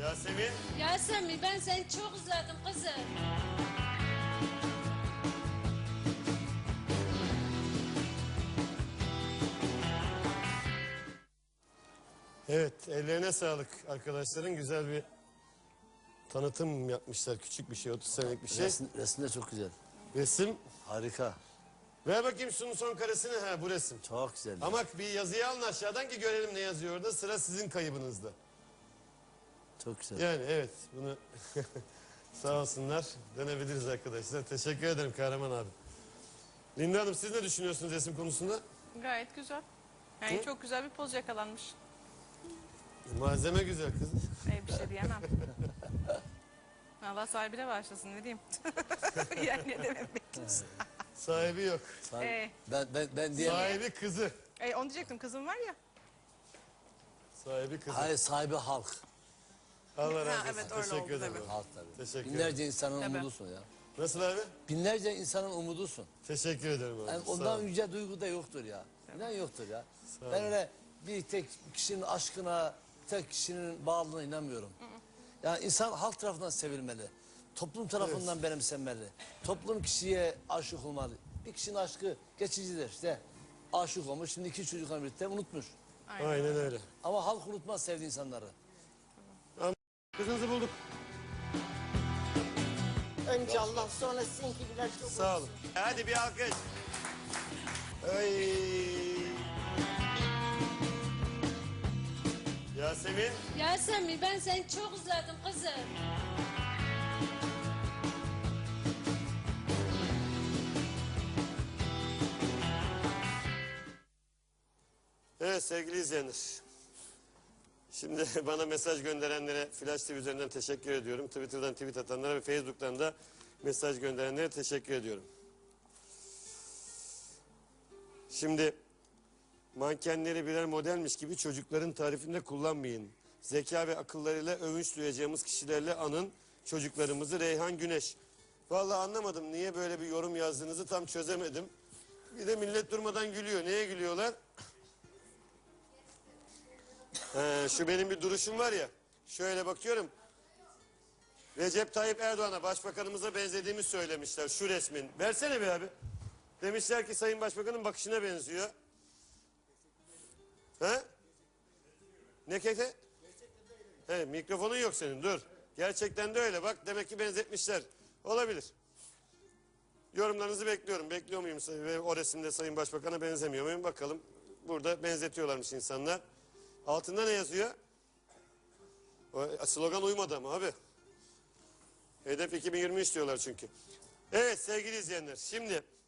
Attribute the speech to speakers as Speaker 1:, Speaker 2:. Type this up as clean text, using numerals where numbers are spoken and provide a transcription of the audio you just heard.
Speaker 1: Yasemin.
Speaker 2: Yasemin ben seni çok özledim kızım.
Speaker 1: Evet, ellerine sağlık arkadaşların. Güzel bir tanıtım yapmışlar. Küçük bir şey, 30 senelik bir şey.
Speaker 3: Resim de çok güzel.
Speaker 1: Resim.
Speaker 3: Harika.
Speaker 1: Ver bakayım şunun son karesini. Ha, bu resim.
Speaker 3: Çok güzel.
Speaker 1: Ama bir yazıyı alın aşağıdan ki görelim ne yazıyor orada. Sıra sizin kaybınızda.
Speaker 3: Çok güzel.
Speaker 1: Yani evet, bunu sağ olsunlar. Dönebiliriz arkadaşlar. Teşekkür ederim Kahraman abi. Linda Hanım, siz ne düşünüyorsunuz resim konusunda?
Speaker 4: Gayet güzel. Yani çok güzel bir poz yakalanmış.
Speaker 1: Malzeme güzel kız.
Speaker 4: Bir şey diyemem. Allah sahibine başlasın ne diyeyim. Yani ne demek bekliyorsun.
Speaker 1: Sahibi yok.
Speaker 3: Ben diye.
Speaker 1: Sahibi kızı.
Speaker 4: Onu diyecektim, kızım var ya.
Speaker 1: Sahibi kızı.
Speaker 3: Hayır, sahibi halk.
Speaker 1: Allah razı olsun.
Speaker 4: Evet, öyle
Speaker 1: Teşekkür
Speaker 4: oldu
Speaker 1: ederim.
Speaker 4: tabii.
Speaker 3: Halk tabii.
Speaker 1: Teşekkür ederim.
Speaker 3: Binlerce insanın
Speaker 4: Tabii.
Speaker 3: umudusun ya.
Speaker 1: Nasıl abi?
Speaker 3: Binlerce insanın umudusun.
Speaker 1: Teşekkür ederim abi.
Speaker 3: Yani
Speaker 1: Sağ
Speaker 3: ondan
Speaker 1: ol.
Speaker 3: yüce duygu da yoktur ya. İnan yoktur ya.
Speaker 1: Sağ
Speaker 3: Ben
Speaker 1: ol.
Speaker 3: öyle bir tek kişinin aşkına, tek kişinin bağlılığına inanmıyorum. Yani insan halk tarafından sevilmeli. Toplum tarafından benimsenmeli. Toplum kişiye aşık olmalı. Bir kişinin aşkı geçicidir işte. Aşık olmuş, şimdi 2 çocukla birlikte unutmuş.
Speaker 1: Aynen öyle.
Speaker 3: Ama halk unutmaz sevdiği insanları.
Speaker 1: Kızınızı bulduk.
Speaker 5: Önce Allah sonra sizinkiler çok
Speaker 1: Sağ olun. Hadi bir alkış. Ay. Yasemin.
Speaker 2: Yasemin ben seni çok özledim kızım.
Speaker 1: Evet sevgili izleyenler. Şimdi bana mesaj gönderenlere Flash TV üzerinden teşekkür ediyorum. Twitter'dan tweet atanlara ve Facebook'tan da mesaj gönderenlere teşekkür ediyorum. Şimdi mankenleri birer modelmiş gibi çocukların tarifinde kullanmayın. Zeka ve akıllarıyla övünç duyacağımız kişilerle anın çocuklarımızı. Reyhan Güneş. Vallahi anlamadım niye böyle bir yorum yazdığınızı tam çözemedim. Bir de millet durmadan gülüyor. Neye gülüyorlar? Şu benim bir duruşum var ya. Şöyle bakıyorum. Recep Tayyip Erdoğan'a başbakanımıza benzediğimi söylemişler şu resmin. Versene bir abi. Demişler ki Sayın Başbakan'ın bakışına benziyor. He? Ne keke? He, mikrofonun yok senin dur. Gerçekten de öyle bak demek ki benzetmişler. Olabilir. Yorumlarınızı bekliyorum. Bekliyor muyum? Ve o resimde Sayın Başbakan'a benzemiyor muyum? Bakalım. Burada benzetiyorlarmış insanlar. Altında ne yazıyor? O slogan uymadı ama abi. Hedef 2023 diyorlar çünkü. Evet sevgili izleyenler. Şimdi